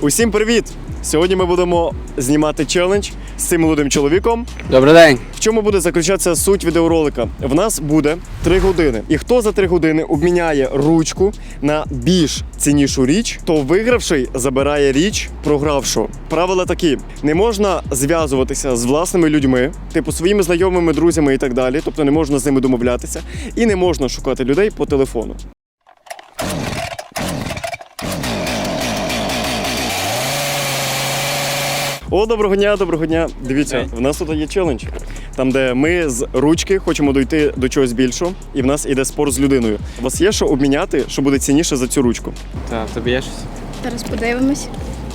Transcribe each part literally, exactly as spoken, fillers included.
Усім привіт! Сьогодні ми будемо знімати челендж з цим молодим чоловіком. Добрий день! В чому буде заключатися суть відеоролика? В нас буде три години. І хто за три години обміняє ручку на більш ціннішу річ, то вигравший забирає річ програвшого. Правила такі: не можна зв'язуватися з власними людьми, типу своїми знайомими, друзями і так далі, тобто не можна з ними домовлятися, і не можна шукати людей по телефону. О, доброго дня, доброго дня. Дивіться, в нас тут є челендж, там де ми з ручки хочемо дойти до чогось більшого, і в нас іде спор з людиною. У вас є що обміняти, що буде цінніше за цю ручку? Так, тобі є щось? Зараз подивимось.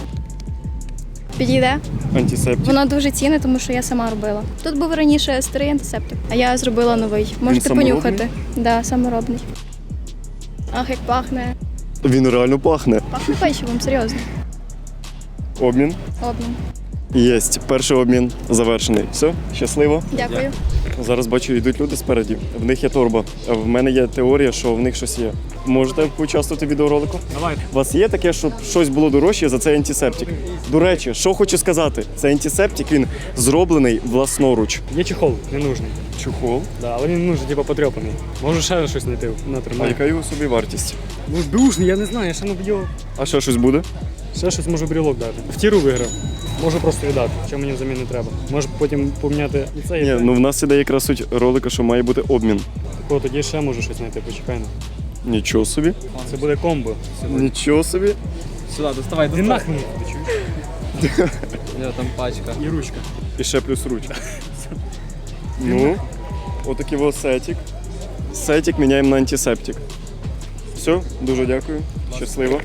Підійде. Антисептик. Воно дуже цінне, тому що я сама робила. Тут був раніше старий антисептик, а я зробила новий. Можете саморобний? понюхати. Так, да, саморобний. Ах, як пахне. Він реально пахне. Пахне печивом, серйозно. Обмін. Обмін. Єсть. Перший обмін завершений. Все, щасливо. Дякую. Зараз бачу, йдуть люди спереді. В них є торба. В мене є теорія, що в них щось є. Можете поучаствувати в відеоролику? Давай. У вас є таке, щоб щось було дорожче за цей антисептик? До речі, що хочу сказати, цей антисептик, він зроблений власноруч. Є чехол, не нужний. Чохол. Да, але він нужний, типу потрьопаний. Можу ще щось знайти, А натримаю. яка його собі вартість? Ну, душний, я не знаю, я ще не б'ю. А ще щось буде? Ще щось можу брілок дати. В тіру виграв. Можу просто віддати, що мені взамін не треба. Може потім поміняти і це, і Ні, це. ну в нас іде якраз суть ролика, що має бути обмін. Такого тоді ще можу щось знайти, почекай на. Нічого собі. Це буде комбо. Нічого собі. Сюди, доставай, Ти доставай. нахрен, ти чуєш? Я там пачка. І ручка. І ще плюс ручка. Ну, отакий ось сетик. Сетик міняємо на антисептик. Все, дуже дякую. Щасливо.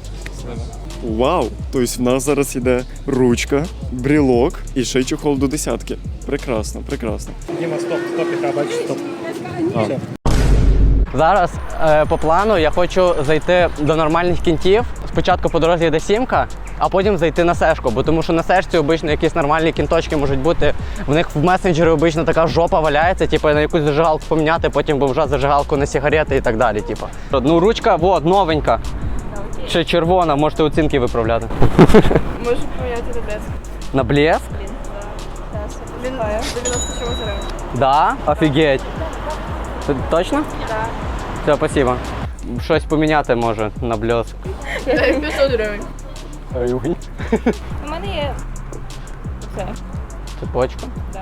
Вау! Тобто в нас зараз йде ручка, брілок і ще й чохол до десятки. Прекрасно, прекрасно. Діма, стоп, стоп, яка, бачиш, стоп. А. Все. Зараз е, по плану я хочу зайти до нормальних кінтів. Спочатку по дорозі йде сімка, а потім зайти на сешку, бо тому що на сешці обично якісь нормальні кінточки можуть бути. В них в месенджері обично така жопа валяється, типу на якусь зажигалку поміняти, потім вже зажигалку на сигарети і так далі. Типу. Ну ручка, вот, новенька. Ще червона, можете оцінки виправляти. Можу поміняти на блеск. На блеск? Він дев'яносто чогось гривень. Да? Офігеть. Т- Точно? Так. Все, спасибо. Щось поміняти може на блеск. п'ятсот гривень. Ой. У мене є це. Цепочка? Так.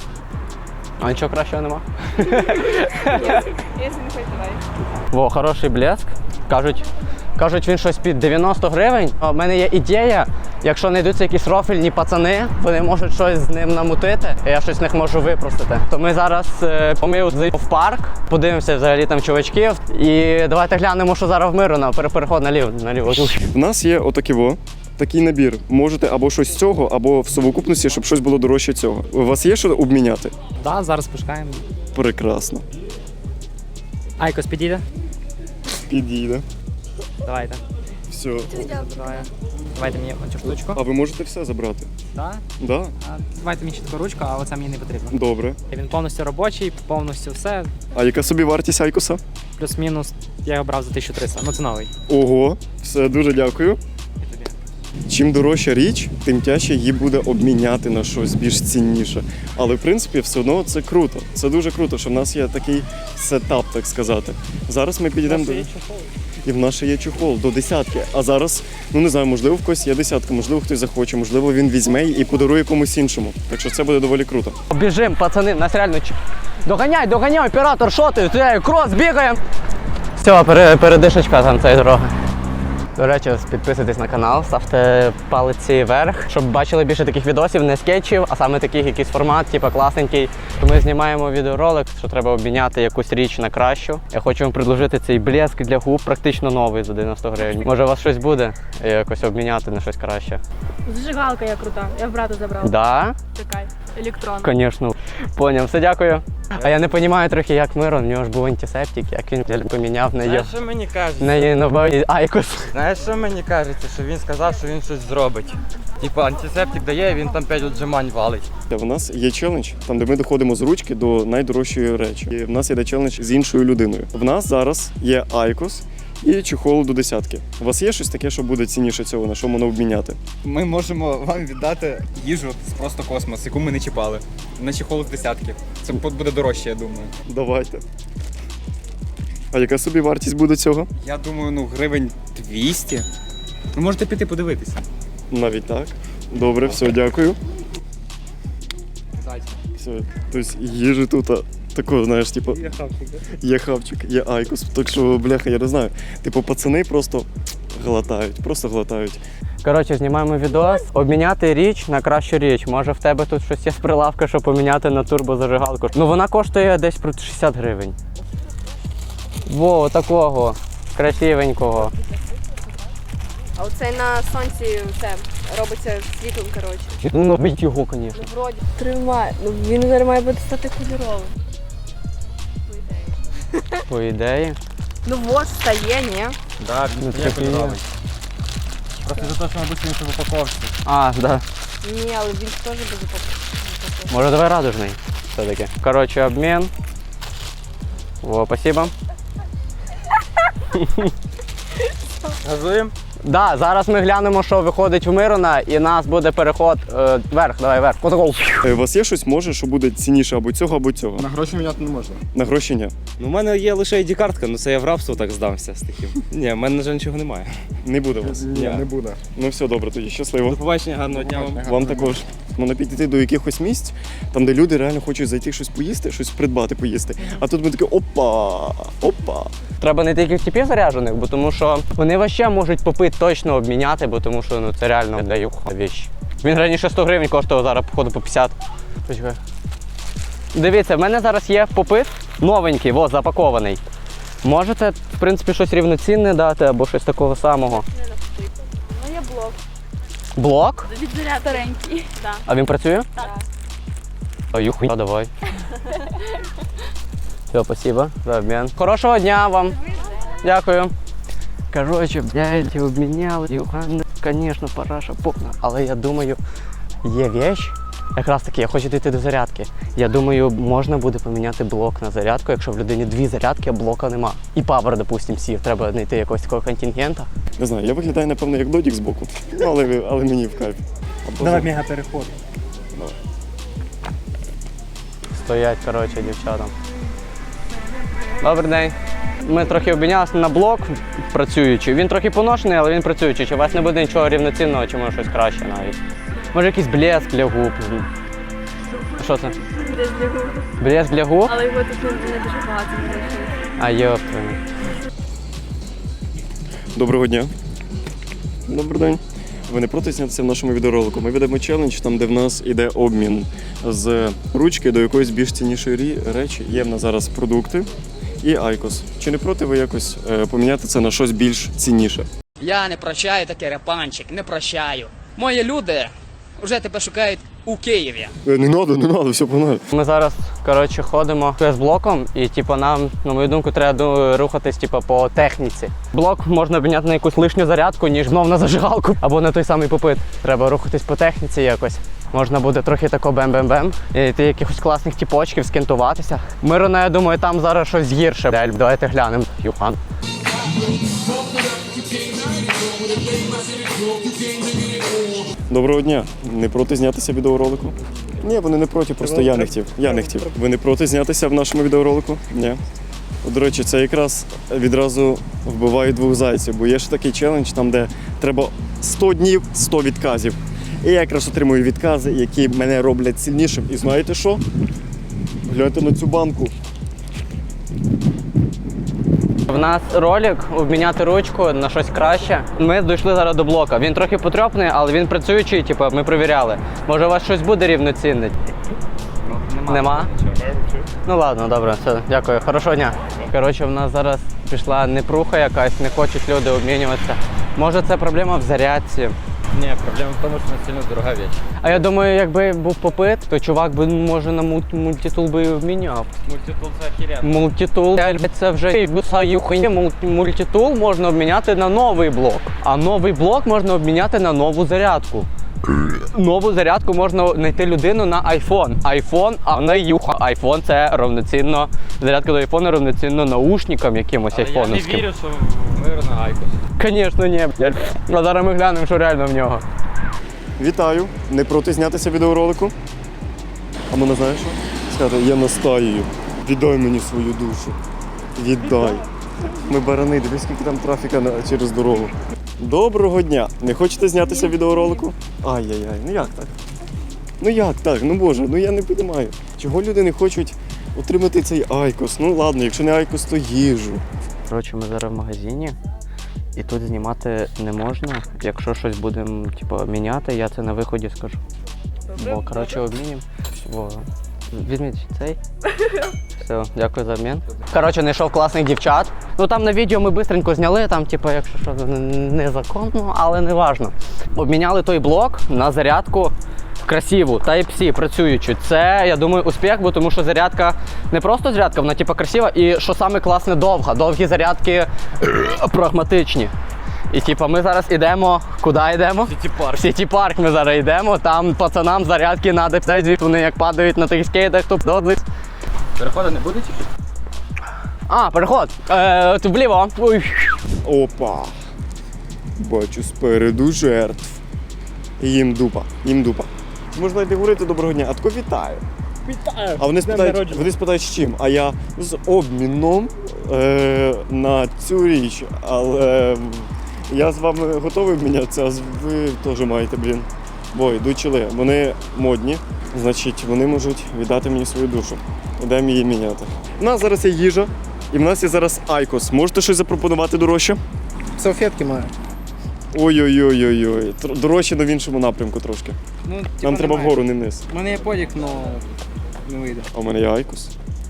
А нічого кращого нема? Якщо не хочете, давай. Во, хороший блеск. Кажуть, кажуть, він щось під дев'яносто гривень. У мене є ідея, якщо знайдуться якісь рофільні пацани, вони можуть щось з ним намутити, і я щось з них можу випросити. То ми зараз е, ми зайдемо в парк, подивимося взагалі там чувачків, і давайте глянемо, що зараз в миру на переход наліво. наліво. В нас є отакий во, такий набір. Можете або щось з цього, або в совокупності, щоб щось було дорожче цього. У вас є що обміняти? Так, да, зараз пошукаємо. Прекрасно. Айкос підійде? Підійде. Давайте. Все. Давай. Давайте мені оцю штучку. А ви можете все забрати? Так? Да? А, давайте мені ще таку ручку, а оце мені не потрібно. Добре. Він повністю робочий, повністю все. А яка собі вартість Айкоса? Плюс-мінус я його брав за тисячу триста. Ну це новий. Ого, все, дуже дякую. І тобі. Чим дорожча річ, тим тяжче її буде обміняти на щось більш цінніше. Але в принципі все одно це круто. Це дуже круто, що в нас є такий сетап, так сказати. Зараз ми підійдемо до... І в нас ще є чохол до десятки. А зараз, ну не знаю, можливо, в когось є десятка, можливо, хтось захоче, можливо, він візьме і подарує комусь іншому. Так що це буде доволі круто. Біжим, пацани, нас реально ч- доганяй, доганяй, оператор, що ти? Ти крос, бігаємо. Все, пере, передишечка там цієї дороги. До речі, підписуйтесь на канал, ставте палиці вверх, щоб бачили більше таких відосів, не скетчів, а саме таких якийсь формат, типу класненький. Ми знімаємо відеоролик, що треба обміняти якусь річ на кращу. Я хочу вам предложити цей блеск для губ, практично новий за дев'яносто гривень. Може у вас щось буде якось обміняти на щось краще? Зажигалка я крута. Я в брата забрала. Да? Така. Електрон. Звісно. Поняв, все, дякую. А я не розумію трохи, як Мирон, в нього ж був антисептик, як він поміняв на її. Знаєш, що мені кажеться? На її новий Айкос. Знаєш, що мені кажеться, що він сказав, що він щось зробить. Типу антисептик дає, він там п'ять віджимань валить. У нас є челендж, там де ми доходимо з ручки до найдорожчої речі. І в нас є челендж з іншою людиною. В нас зараз є Айкос і чехол до десятки. У вас є щось таке, що буде цінніше цього, на що можна обміняти? Ми можемо вам віддати їжу з просто космос, яку ми не чіпали. На чехол з десятки. Це буде дорожче, я думаю. Давайте. А яка собі вартість буде цього? Я думаю, ну гривень двісті. Ви можете піти подивитися. Навіть так. Добре, все, дякую. Удачі. Все, тобто їжі тут а, такого, знаєш, типу, Я хавчик, да? є хавчик, є айкос. Так що, бляха, я не знаю. Типу, пацани просто глотають, просто глотають. Коротше, знімаємо відос. Обміняти річ на кращу річ. Може в тебе тут щось є з прилавка, щоб поміняти на турбозажигалку. Ну вона коштує десь про шістдесят гривень. Во, такого красивенького. А оцей на сонці це робиться світлом, коротше. Ну, бить його, звісно. Ну, вроді. Тримай. Ну він зараз має бути стати кольоровим. По ідеї. Ну от, стає, ні? Да, Ну, він це є таке є. кольоровий. Просто за те, що мабуть він в упаковці. А, да. Ні, але він теж без упаковки. Може, давай радужний все-таки. Коротше, обмін. Во, спасибо. Газуємо? Да, зараз ми глянемо, що виходить в Мирона, і нас буде переход е, вверх, давай вверх. Отаков. Е, У вас є щось, може, що буде цінніше або цього, або цього? На гроші міняти не можна. На гроші ні. Ну, у мене є лише ай ді-картка, ну це я в рабство так здамся з таким. Ні, в мене, на жаль, нічого немає. Не буде у вас. Ні, не буде. Ну все добре, тоді щасливо. До побачення, гарного дня вам. Вам також. Можна підійти до якихось місць, там, де люди реально хочуть зайти щось поїсти, щось придбати поїсти. А тут ми такі опа, опа. Треба не тільки типів заряджених, бо тому що вони вообще можуть попит точно обміняти, бо тому що ну це реально даю віч. Він раніше сто гривень коштував, зараз походу по п'ятдесят. Почекай. Дивіться, в мене зараз є попит новенький, во, запакований. Можете, в принципі, щось рівноцінне дати або щось такого самого. Ну є блок. Блок? Від заряд старенький. Так. А він працює? Так. А юхуя, давай. Все, спасибо за обмін. Хорошого дня вам. Дякую. Короче, блядь, обміняли. Юхан, звісно, параша повна. Але я думаю, є вещь. Якраз таки, я хочу дійти до зарядки. Я думаю, можна буде поміняти блок на зарядку, якщо в людині дві зарядки, а блока нема. І павер, допустим, сів. Треба знайти якогось такого контингента. Не знаю, я виглядаю, напевно, як додік збоку. Ну, але, але мені в кайф. Або Давай за- мега переход. Стоять, коротше, дівчата. Добрий день. Ми трохи обмінялися на блок працюючий. Він трохи поношений, але він працюючий. Чи у вас не буде нічого рівноцінного, чи може щось краще навіть? Може якийсь блеск для губ. Що це? Десь для губ. Блеск для губ? Але його тут не не дуже багато. не знайшли. А йопта. Доброго дня. Добрий день. Ви не проти знятися в нашому відеоролику? Ми ведемо челендж, там, де в нас іде обмін з ручки до якоїсь більш ціннішої рі- речі. Є в нас зараз продукти і айкос. Чи не проти ви якось е, поміняти це на щось більш цінніше? Я не прощаю таке репанчик, не прощаю. Мої люди вже тебе шукають у Києві. Е, не треба, не треба, все погнали. Ми зараз, коротше, ходимо з блоком і, типу, нам, на мою думку, треба ду- рухатись, типу, по техніці. Блок можна обміняти на якусь лишню зарядку, ніж знов на зажигалку або на той самий попит. Треба рухатись по техніці якось. Можна буде трохи тако бем-бем-бем, і йти якихось класних тіпочків, скентуватися. Мирона, я думаю, там зараз щось гірше. Дель, давайте глянемо. Юхан. Доброго дня. Не проти знятися в відеоролику? Ні, вони не проти, просто я не хотів. Я не хотів. Ви не проти знятися в нашому відеоролику? Ні. До речі, це якраз відразу вбиває двох зайців, бо є ж такий челендж, там, де треба сто днів, сто відказів. І я якраз отримую відкази, які мене роблять сильнішим. І знаєте що? Гляньте на цю банку. В нас ролик обміняти ручку на щось краще. Ми дійшли зараз до блока. Він трохи потрьопний, але він працюючий, типу, ми перевіряли. Може у вас щось буде рівноцінне? Ну, нема. Нема? Ну ладно, добре, все, дякую. Хорошого дня. Коротше, в нас зараз пішла непруха якась, не хочуть люди обмінюватися. Може це проблема в зарядці. Ні, проблема в тому, що не сильно дорога річ. А я думаю, якби був попит, то чувак би, може, на мульт- мультитул би обміняв. Мультитул це ахірен. Мультитул, це вже Мульт- мультитул можна обміняти на новий блок. А новий блок можна обміняти на нову зарядку. Нову зарядку можна знайти людину на айфон. Айфон, а не юха. Айфон це равноцінно, зарядка до айфона равноцінно наушникам якимось Але я не айфоновським. вірю, що ми на Айкос. Звісно, ні, блядь. А зараз ми глянемо, що реально в нього. Вітаю! Не проти знятися відеоролику? А мене знаєш що? Сказати, я настаюю. Віддай мені свою душу. Віддай. Ми барани, дивись, скільки там трафіка на- через дорогу. Доброго дня! Не хочете знятися відеоролику? Ай-яй-яй, ну як так? Ну як так? Ну боже, ну я не розумію. Чого люди не хочуть отримати цей айкос? Ну ладно, якщо не айкос, то їжу. Коротше, ми зараз в магазині, і тут знімати не можна. Якщо щось будемо типу, міняти, я це на виході скажу. Бо, коротше, обмінім. Во. Візьміть цей. Все, дякую за обмін. Коротше, знайшов класних дівчат. Ну там на відео ми швидко зняли, там, типу, якщо що, незаконно, але не важно. Обміняли той блок на зарядку красиву, Type-C, працюючу. Це, я думаю, успіх, бо тому що зарядка не просто зарядка, вона типу красива і, що саме класне, довга. Довгі зарядки прагматичні. І типу, ми зараз йдемо, куди йдемо? Сіті-парк. В Сіті-парк ми зараз йдемо, там пацанам зарядки треба, вони як падають на тих скейтах, то додли. Переходу не буде тільки? А, переход. Е, тут вліво. Ой. Опа! Бачу спереду жертв. Їм дупа, їм дупа. Можна йти говорити доброго дня, а тако вітаю. Вітаю! А вони спитають, вони спитають з чим? А я з обміном е, на цю річ. Але я з вами готовий обмінятися, а ви теж маєте, блін. Бо йдуть чили. Вони модні, значить вони можуть віддати мені свою душу. Йдемо її міняти. У нас зараз є їжа, і в нас є зараз айкос. Можете щось запропонувати дорожче? Салфетки маю. Ой-ой-ой-ой-ой. Тр- Дорожче, але в іншому напрямку трошки. Ну, Нам треба вгору, не вниз. У мене є подік, але не вийде. А у мене є айкос.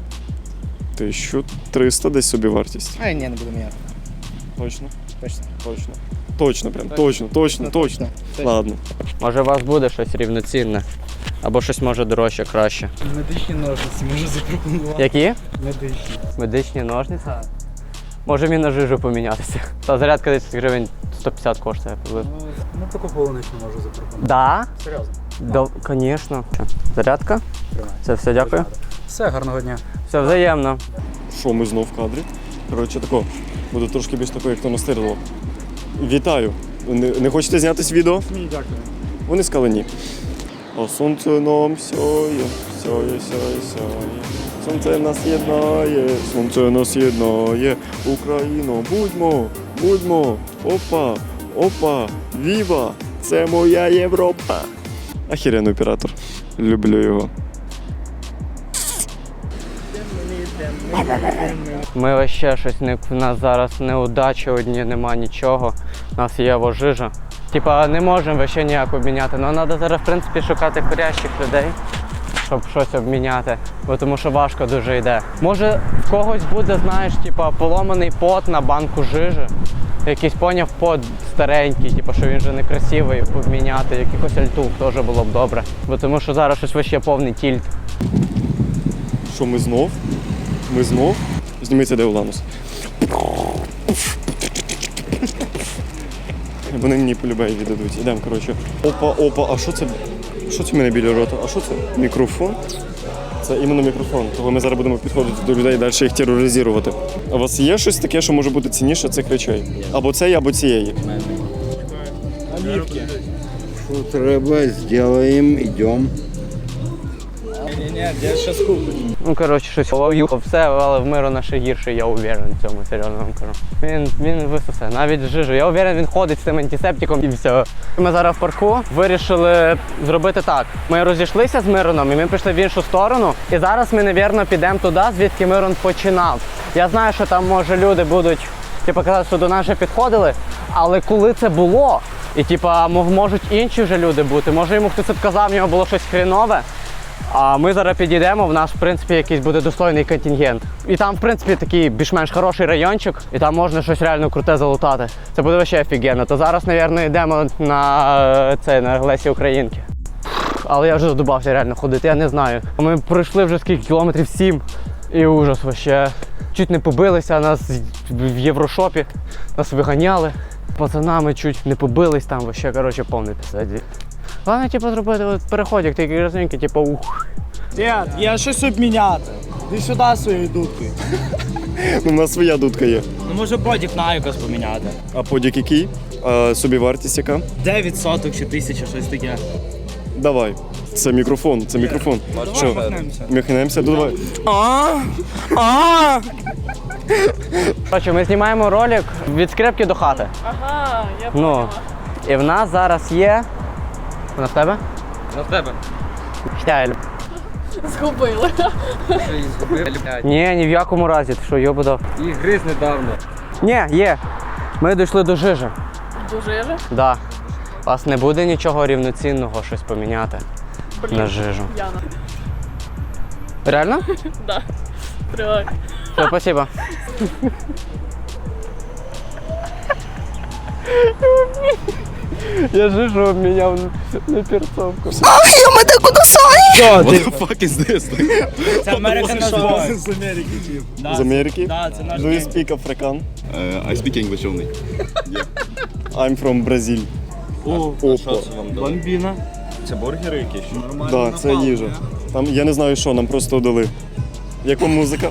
тисяча триста десь собі вартість. А, ні, не буду міняти. Точно? Точно. Точно. Точно, прям, точно, точно, точно. Ладно. Може у вас буде щось рівноцінне. Або щось може дорожче, краще. Медичні ножниці можу запропонувати. Які? Медичні. Медичні ножниці? Може мені на жижу помінятися. Та зарядка десь гривень сто п'ятдесят коштує. Ну, таку полуничну можу запропонувати. Да? Серйозно. Да, звісно. Зарядка? Це все, дякую. Все, гарного дня. Все взаємно. Що, ми знов в кадрі? Коротше, тако, буде трошки більш тако, як то настирило. Вітаю. Не, не хочете знятись відео? Ні, дякую. Вони сказали ні. А сонце нам сяє, сяє, сяє, сяє. Сонце нас єднає, сонце нас єднає. Україно, будьмо, будьмо. Опа, опа, віва, це моя Європа. Ахіренний оператор. Люблю його. Ми вообще щось не в нас зараз неудачі одні, нема нічого. У нас є вожижа. Типа не можемо вообще ніяк обміняти. Ну треба зараз в принципі шукати хорящих людей, щоб щось обміняти. Бо тому що важко дуже йде. Може в когось буде, знаєш, типа поломаний пот на банку жижі. Якийсь поняв пот старенький, типу, що він вже не красивий, обміняти. Якихось альтух теж було б добре. Бо тому що зараз щось вообще повний тільт. Що, ми знов? Ми знов? Зніміться, де Уланус. Вони мені полюбають віддадуть. Ідемо, коротше. Опа, опа, а що це? Що це в мене біля рота? А що це? Мікрофон? Це іменно мікрофон. Тому ми зараз будемо підходити до людей і далі їх тероризувати. А у вас є щось таке, що може бути цінніше цих речей? Або цієї, або цієї. Що треба, зробимо, йдемо. Ні-ні, я зараз куплю. Ну, коротше, щось лов'ю все, але в Миро наше гірше, я уверен в цьому, серйозно вам кажу. Він, він висосе, навіть жижу. Я уверен, він ходить з цим антисептиком і все. Ми зараз в парку вирішили зробити так. Ми розійшлися з Мироном і ми пішли в іншу сторону. І зараз ми, мабуть, підемо туди, звідки Мирон починав. Я знаю, що там, може, люди будуть типу, казати, що до нас вже підходили, але коли це було, і типа, можуть інші вже люди бути, може йому хтось відказав, в нього було щось хрінове. А ми зараз підійдемо, в нас, в принципі, якийсь буде достойний контингент. І там, в принципі, такий більш-менш хороший райончик, і там можна щось реально круте залутати. Це буде вообще офігенно. То зараз, мабуть, йдемо на це, на Лесі Українки. Але я вже задубався реально ходити, я не знаю. Ми пройшли вже скільки кілометрів, сім. І ужас вообще. Чуть не побилися, нас в Єврошопі, нас виганяли. Пацанами чуть не побились, там вообще, коротше, повний писаді. Головне, типу, зробити от переходик, такий красненький, типу, ух. Дід, є щось обміняти. Іди сюди своєю дудкою. Ну, у нас своя дудка є. Ну може бодік на якось поміняти. А подік який? А собівартість яка? дев'ять соток чи тисяча, щось таке. Давай. Це мікрофон, це мікрофон. Давай Що? махнемося. Махнемося, давай. А! А! Коротше, ми знімаємо ролик від скрипки до хати. Ага, я Ну, і в нас зараз є. Вона в тебе? На тебе. Штайль. згубили. Що її згубив, блядь. Ні, ні в якому разі, ти що, йобудов. Їх гриз недавно. Ні, є. Ми дійшли до жижи. Дуже же? Да. У вас не буде нічого рівноцінного щось поміняти на жижу. Яна. Реально? Да. Тривай. Все, спасибо. Я жижу обміняв на перцовку. Що, ти? fuck is this? Це American Express. З Америки, тип. Да, З Америки? Да, це наш Do you гейм. speak African? Uh, I speak English only. I'm from Brazil. О, Опа. бомбіна. Це бургери якісь? Да, це їжа. Там я не знаю що, нам просто дали. Яка музика?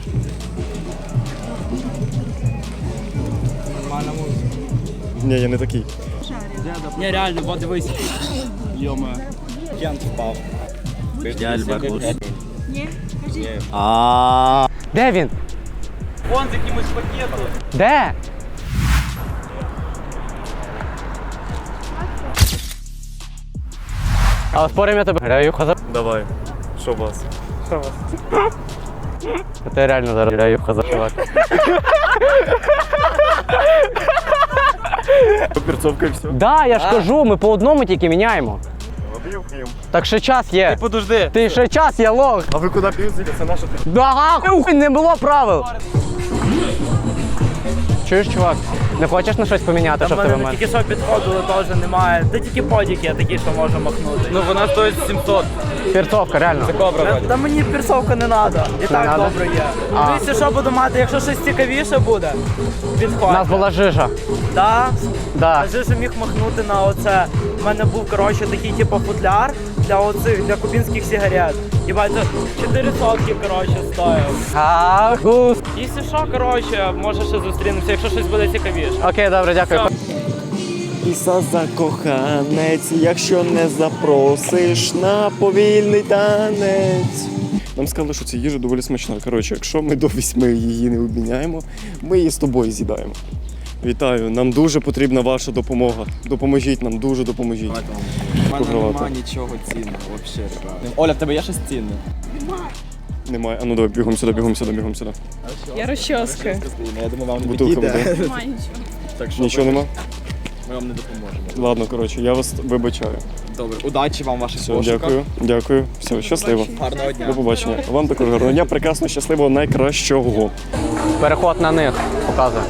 Нормальна музика. Ні, я не такий. Ні, реально, бо дивись. Йома. Кент впав. А. Де він? Вон з якимось пакетом. Де? А спорим я тебе граю хаза. Давай. Що у вас? Ти реально зараз граю хаза, чувак. Перцовка і все. Да, я ж кажу, ми по одному тільки міняємо. Так ще час є. Подожди. Ти ще час є, лох. А ви куди п'юзите? Це наша ти. Да, хуй, не було правил. Чуєш, чувак? Не хочеш на щось поміняти, щоб тебе мене? Тільки що підходили, теж немає. Та тільки подік є такі, що можна махнути. Ну вона стоїть сімсот. Перцовка, реально. Це кобра вроді. Та мені персовка не треба. І так надо? добре є. А. Дивіться, що буду мати, якщо щось цікавіше буде, У підходь. нас була жижа. Да? Да. А же ж міг махнути на оце. У мене був, коротше, такий типу футляр для оцих, для кубінських сигарет. Єбать, це чотири сотки, коротше, стоїв. А, гус. Якщо що, коротше, може ще зустрінемося, якщо щось буде цікавіше. Окей, добре, дякую. Іса закоханець, якщо не запросиш на повільний танець. Нам сказали, що ця їжа доволі смачна. Коротше, якщо ми до вісьми її не обміняємо, ми її з тобою з'їдаємо. Вітаю, нам дуже потрібна ваша допомога. Допоможіть нам, дуже допоможіть. У мене немає нічого цінного, взагалі, ребята. Оля, в тебе є щось цінне? Немає. А ну давай, бігом сюди, бігом сюди, бігом сюди. Я розчоска. Я думаю, вам не Бутилка підійде. буде. Немає нічого. Так що Нічого нема? ми вам не допоможемо. Ладно, коротше, я вас вибачаю. Добре, удачі вам в ваших Все, пошуках. дякую, дякую. Все, щасливо. Гарного дня. До побачення. Вам також гарного дня, прекрасно, щасливого, найкращого. Переход на них показує.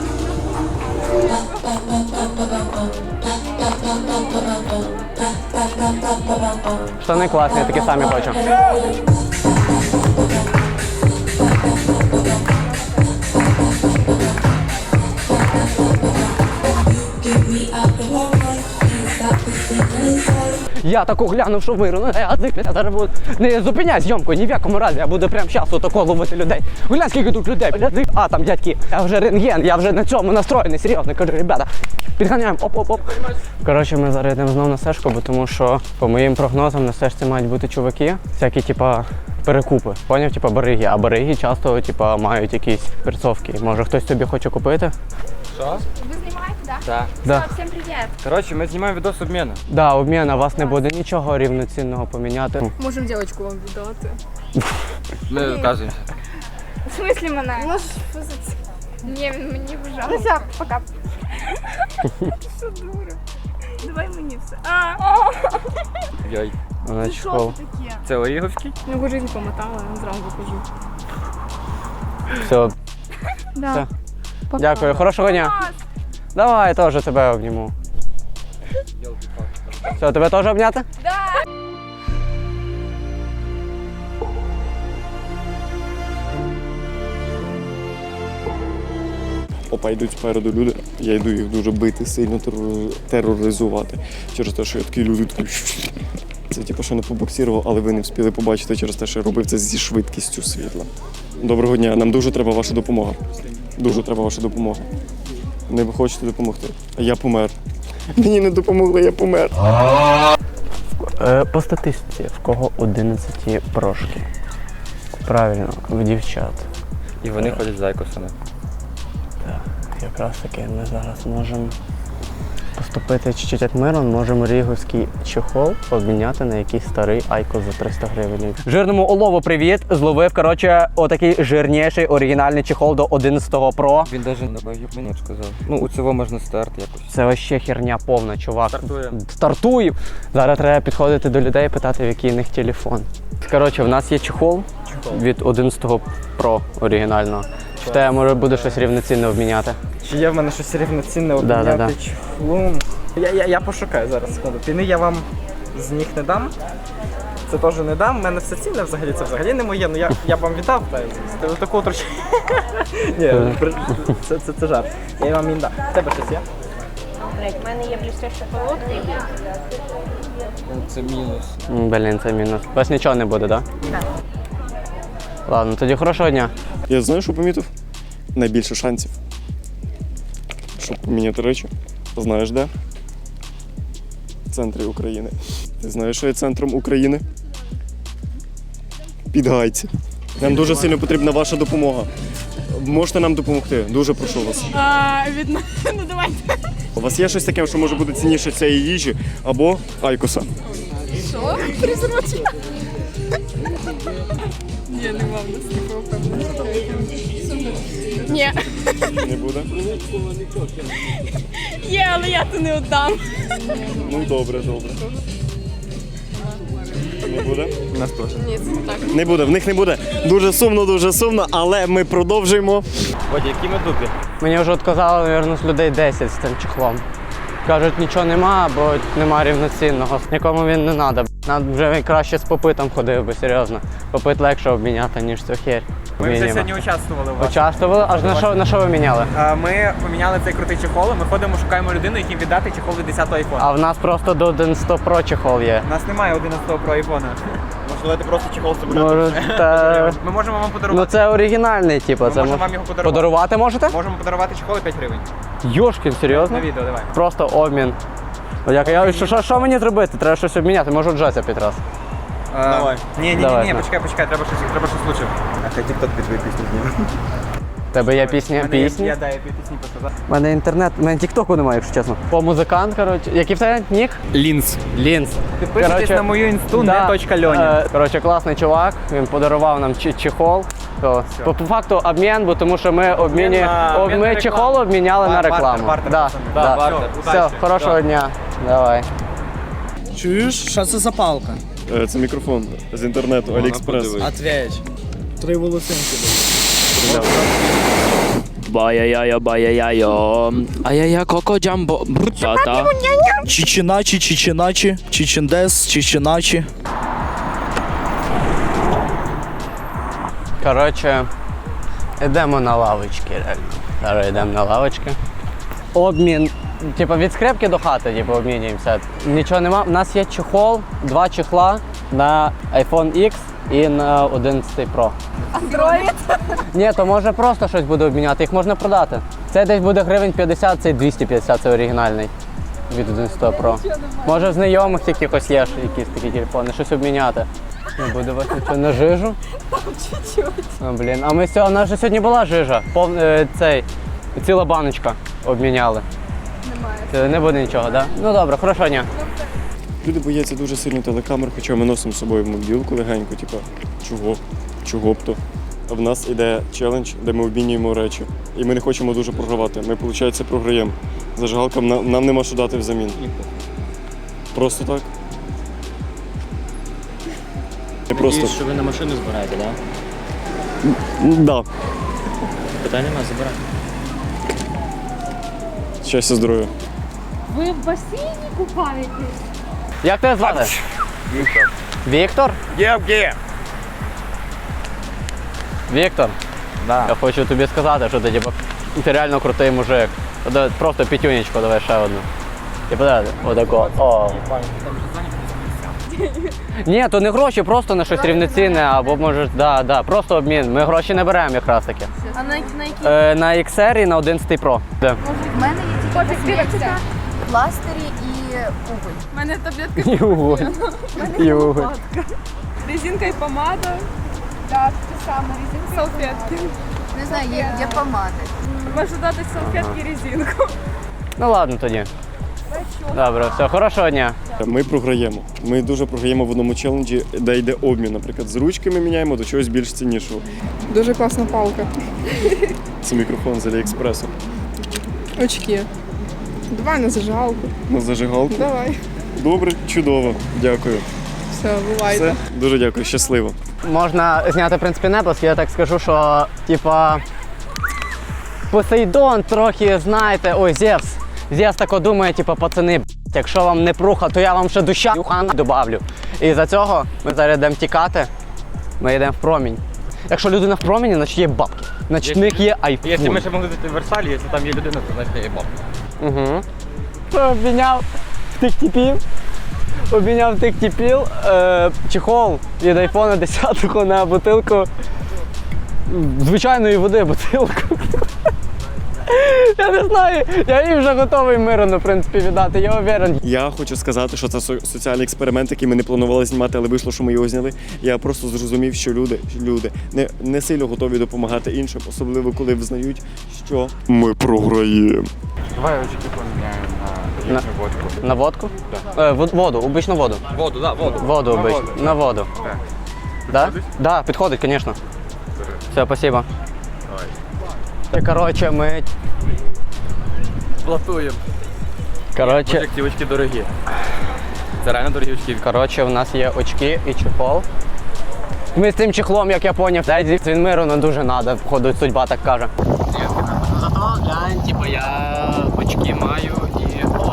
Штани класні, такі самі хочу. Я таку глянув, що виру, ну я зиплюся, зараз буду. Не зупиняй зйомку, ні в якому разі, я буду прямо зараз отако ловити людей. Глянь, скільки тут людей, блядь. А, там дядьки, я вже рентген, я вже на цьому настроєний, серйозно, кажу, ребята, підганяємо, оп-оп-оп. Коротше, ми зараз йдемо знову на сешку, бо тому що, по моїм прогнозам, на сешці мають бути чуваки, всякі, типа, перекупи, поняв, типа бариги, а бариги часто, типа, мають якісь перцовки. Може, хтось тобі хоче купити? Що? Ви знімаєте, так? Так. Да. Всім привіт. Коротше, ми знімаємо відос обміну. Да, обмін, а вас не буде нічого рівноцінного поміняти. Можемо дівчинку вам віддати. Ми вказуємося. В смислі мене? Можеш позицію. Ні, він мені вже. Ну все, пока. Що дура? Давай мені все. А! Йой. Вона Це що чхол. це таке? Це Оріговський? Ну, жизнь помотала, я зразу кажу. Все, Да. Все. Дякую, хорошого дня. Давай, я теж тебе обніму. Все, тебе теж обняти? Да. Опа, йдуть спереду люди, я йду їх дуже бити, сильно терор- тероризувати. Через те, що я такі люди такі. Це типу, що не побоксірував, але ви не встигли побачити через те, що я робив це зі швидкістю світла. Доброго дня, нам дуже треба ваша допомога. Дуже треба ваша допомога. Не ви хочете допомогти? Я помер. Мені не допомогли, я помер. Е, По статистиці, в кого одинадцять прошки? Правильно, в дівчат. І вони ходять з айкосами. Так, якраз таки ми зараз можемо поступити чуть-чуть як Мирон, можемо ріговський чехол обміняти на якийсь старий айкос за триста гривень. Жирному олову привіт! Зловив, коротше, отакий жирніший оригінальний чехол до одинадцятого Pro. Він навіть не мені сказав. Ну, у цього можна старт якось. Це вообще херня повна, чувак. Стартуємо. Стартуємо! Зараз треба підходити до людей і питати, в який у них телефон. Коротше, в нас є чехол, чехол. від одинадцятого Pro оригінального. Чи в тебе може буде щось рівноцінне обміняти? Чи є в мене щось рівноцінне Да, обміняти да, да. чехлом? Я, я, я пошукаю зараз, секунду. Піни я вам з них не дам. Це теж не дам. У мене все цінне взагалі, це взагалі не моє. Ну я, я б вам віддав, та з такого трошки. Ні, це, це, це жарт. Я вам він дам. В тебе щось є? У мене є блістяща колодка. Це мінус. М, Блін, це мінус. У вас нічого не буде, так? Да? Так. Ладно, тоді хорошого дня. Я знаю, що помітив? Найбільше шансів, щоб поміняти речі. Знаєш де? В центрі України. Ти знаєш, що є центром України? Підгайці. Нам дуже сильно потрібна ваша допомога. Можете нам допомогти? Дуже прошу вас. А, від... Ну давайте. У вас є щось таке, що може бути цінніше цієї їжі або айкоса? Що? Презерватив? Ні, нема в нас такого проблему. Ні. Не буде? Є, але я то не віддам. Ну добре, добре. Не буде? У нас теж. Ні, це так. Не буде, в них не буде. Дуже сумно, дуже сумно, але ми продовжуємо. Водя, які ми дупі? Мені вже відказали, мабуть, з людей десять з цим чехлом. Кажуть, нічого нема, бо нема рівноцінного. Нікому він не треба. Нам вже краще з попитом ходив би, серйозно. Попит легше обміняти, ніж цю херь. Ми вже Мінімум. сьогодні участвували у вас. Участвували? Аж на що, на що ви міняли? А, Ми поміняли цей крутий чехол, ми ходимо, шукаємо людину, якій віддати чехол від десятого айфона. А в нас просто до одинадцятого Pro чехол є. У нас немає одинадцятого Pro айфона. Можливо, ти просто чехол собі Може, та... Ми можемо вам Ну подарувати. це оригінальний, типу. Ми Це можемо мож- вам його подарувати. Подарувати можете? Можемо подарувати чехол і п'ять гривень. Йошкін, серйозно? На відео, давай. Просто обмін. Як, я, що, що, що мені зробити? Треба щось обміняти, можу джазя під раз. Давай. Ні, ні, ні, Давай, ні, на. почекай, почекай, треба щось, треба щось лучше. А хай тік-ток під твою пісню зніме. Тебе є пісня? Мене є- Пісні? Я, да, я пісні показав. У мене інтернет, у мене тіктоку немає, якщо чесно. По музикант, коротше. Який в тебе нік? Лінз. Лінз. Підписуйтесь Коротше, на мою інсту, да, не точка Льоні. е, Коротше, класний чувак, він подарував нам чи- чехол. То, по, по факту обмін, бо тому що ми обміні, на- об, обмін ми на рекламу. чехол обміняли Бар- на бартер, рекламу. бартер, да, пацани. да. Да, бартер. Все, Удачі. хорошого Да. дня. Давай. Чуєш, що це за палка? Е, Це мікрофон з інтернету, Аліекспрес. Ответь. Три волосинки. Бая-яя, бая-яйо. Ай-яя, коко джамбо. Брутата. Чичиначі, чичиначі, чичиндес, чичиначі. Коротше, йдемо на лавочки, реально. Зараз йдемо на лавочки. Обмін, типу від скрепки до хати, типу, обмінюємося. Нічого нема. У нас є чехол, два чехла на айфон ікс і на одинадцятий Pro. Андроїд? Ні, то може просто щось буде обміняти, їх можна продати. Це десь буде гривень п'ятдесят, цей двісті п'ятдесят, це оригінальний від одинадцятого Pro. Може в знайомих якихось є ж якісь такі телефони, щось обміняти. Не буде у вас нічого на жижу? Там чуть-чуть. О, блін, а ми сьогодні, у нас же сьогодні була жижа, пов, е, цей, ціла баночка обміняли. Немає. Е, Не буде нічого, так? Да? Ну добре, хорошого дня. Люди бояться дуже сильно телекамер, хоча ми носимо з собою мобілку легенько, типу, чого? Чого б то? А в нас іде челендж, де ми обмінюємо речі. І ми не хочемо дуже програвати. Ми, виходить, програємо. Зажигалкам нам, нам нема що дати взамін. Просто так. Не просто. Що ви на машину збираєте, так? М, Да. Питань нема, забирай. Щастя, здоров'я. Ви в басейні купаєтесь? Як тебе звати? Віктор. Віктор? Євге! Віктор, Да. я хочу тобі сказати, що ти, типу, ти реально крутий мужик. Давай, просто п'ятюнечку, давай ще одну. І подати, отако. О. Ні, то не гроші, просто на щось рівноцінне, або може, да, да, просто обмін. Ми гроші не беремо якраз таки. А на, на які? Е, на ікс ар і на одинадцятий Pro. Да. В мене є тільки косметика, пластирі і уголь. У мене таблетка. І уголь. У мене І є уголь. лопатка. Резинка і помада. Так, те саме, резинка. Салфетки. Не знаю, є, є помади. Можу дати салфетки і резинку. Ну ладно тоді. Добре, все, хорошого дня. Ми програємо. Ми дуже програємо в одному челенджі, де йде обмін. Наприклад, з ручки ми міняємо до чогось більш ціннішого. Дуже класна палка. Це мікрофон з Аліекспресу. Очки. Давай на зажигалку. На зажигалку? Давай. Добре, чудово. Дякую. Все, бувайте. Все, дуже дякую, щасливо. Можна зняти, в принципі, неплоск, я так скажу, що, типа, Посейдон трохи, знаєте, ой, Зевс. Зевс тако думає, типа, пацани, якщо вам не пруха, то я вам ще душа юхана добавлю. І за цього ми зараз йдемо тікати, ми йдемо в промінь. Якщо людина в проміні, значить є бабки. Значить в них є айфон. Якщо ми ще могли зайти в Версалі, якщо там є людина, то значить є бабки. Угу. Обміняв тих типів. Обміняв тих типів. Е, чехол від айфона десятого на бутилку звичайної води бутилку. Я не знаю, я їй вже готовий мирно, в принципі, віддати, я уверен. Я хочу сказати, що це со- соціальний експеримент, який ми не планували знімати, але вийшло, що ми його зняли. Я просто зрозумів, що люди, люди не, не сильно готові допомагати іншим, особливо коли визнають, що ми програємо. Давай очки поміняємо на На, водку. на водку? Е, вод- воду, обичну воду. Воду, так, да, воду. Воду На обичну, воду. на воду. Так. Да? Підходить? Да, підходить, звісно. Все, спасибо. Давай. Коротше, ми... Платуємо. Коротше... Боже, як ці очки дорогі. Це реально дорогі очки. Коротше, у нас є очки і чехол. Ми з цим чехлом, як я поняв, він миру не дуже треба, походу, судьба так каже. Зато глянь, типу, я очки маю і... О!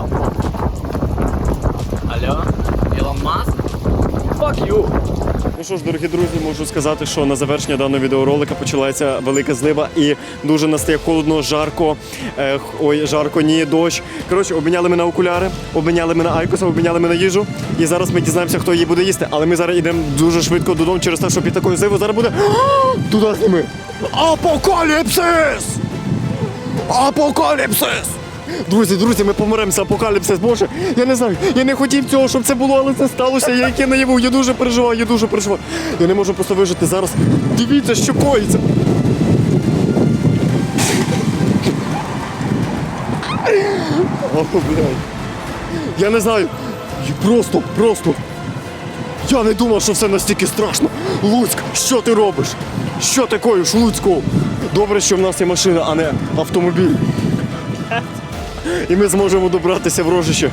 Алло? Ілон Маск? Fuck you! Ну що ж, дорогі друзі, можу сказати, що на завершення даного відеоролика почалася велика злива і дуже настає холодно, жарко, е, ой, жарко, ні, дощ. Коротше, обміняли ми на окуляри, обміняли ми на айкоса, обміняли ми на їжу. І зараз ми дізнаємося, хто її буде їсти. Але ми зараз йдемо дуже швидко додому через те, що під такою зливою зараз буде... Туди зніми! Апокаліпсис! Апокаліпсис! Друзі, друзі, ми помиремося, апокаліпсис, боже, я не знаю, я не хотів цього, щоб це було, але це сталося, я яке наяву, я дуже переживаю, я дуже переживаю. Я не можу просто вижити зараз. Дивіться, що коїться. О, блядь. Я не знаю, просто, просто. Я не думав, що все настільки страшно. Луцьк, що ти робиш? Що ти коїш, Луцьку? Добре, що в нас є машина, а не автомобіль. І ми зможемо добратися в Рожище.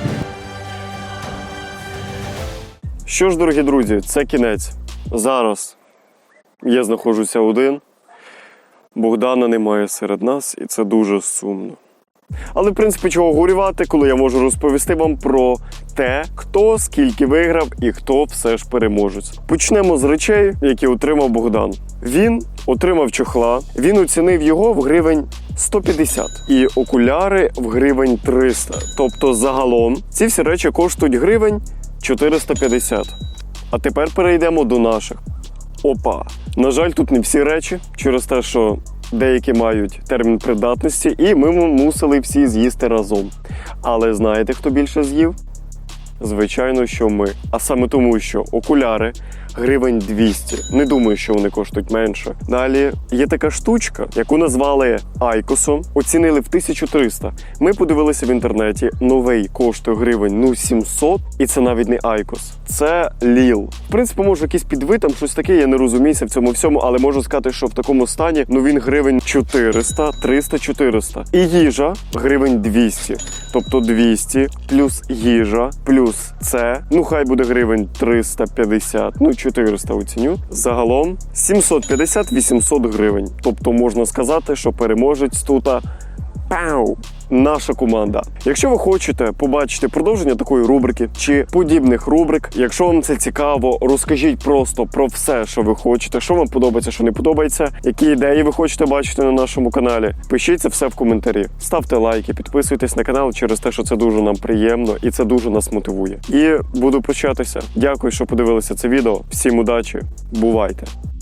Що ж, дорогі друзі, це кінець. Зараз я знаходжуся один. Богдана немає серед нас, і це дуже сумно. Але, в принципі, чого горювати, коли я можу розповісти вам про те, хто скільки виграв і хто все ж переможець. Почнемо з речей, які отримав Богдан. Він отримав чохла, він оцінив його в гривень сто п'ятдесят і окуляри в гривень триста. Тобто загалом ці всі речі коштують гривень чотириста п'ятдесят. А тепер перейдемо до наших. Опа! На жаль, тут не всі речі, через те, що деякі мають термін придатності, і ми мусили всі з'їсти разом. Але знаєте, хто більше з'їв? Звичайно, що ми. А саме тому, що окуляри гривень двісті. Не думаю, що вони коштують менше. Далі є така штучка, яку назвали айкосом. Оцінили в тисячу триста. Ми подивилися в інтернеті. Новий коштує гривень ну сімсот. І це навіть не айкос. Це ліл. В принципі, може якийсь підвид, там щось таке, я не розуміюся в цьому всьому, але можу сказати, що в такому стані, ну він гривень чотириста, триста, чотириста. І їжа гривень двісті. Тобто двісті плюс їжа, плюс це, ну хай буде гривень триста п'ятдесят, ну чотириста оціню. Загалом сімсот п'ятдесят - вісімсот гривень. Тобто можна сказати, що переможець тут пау, наша команда. Якщо ви хочете побачити продовження такої рубрики чи подібних рубрик, якщо вам це цікаво, розкажіть просто про все, що ви хочете, що вам подобається, що не подобається, які ідеї ви хочете бачити на нашому каналі. Пишіть це все в коментарі. Ставте лайки, підписуйтесь на канал через те, що це дуже нам приємно і це дуже нас мотивує. І буду прощатися. Дякую, що подивилися це відео. Всім удачі. Бувайте!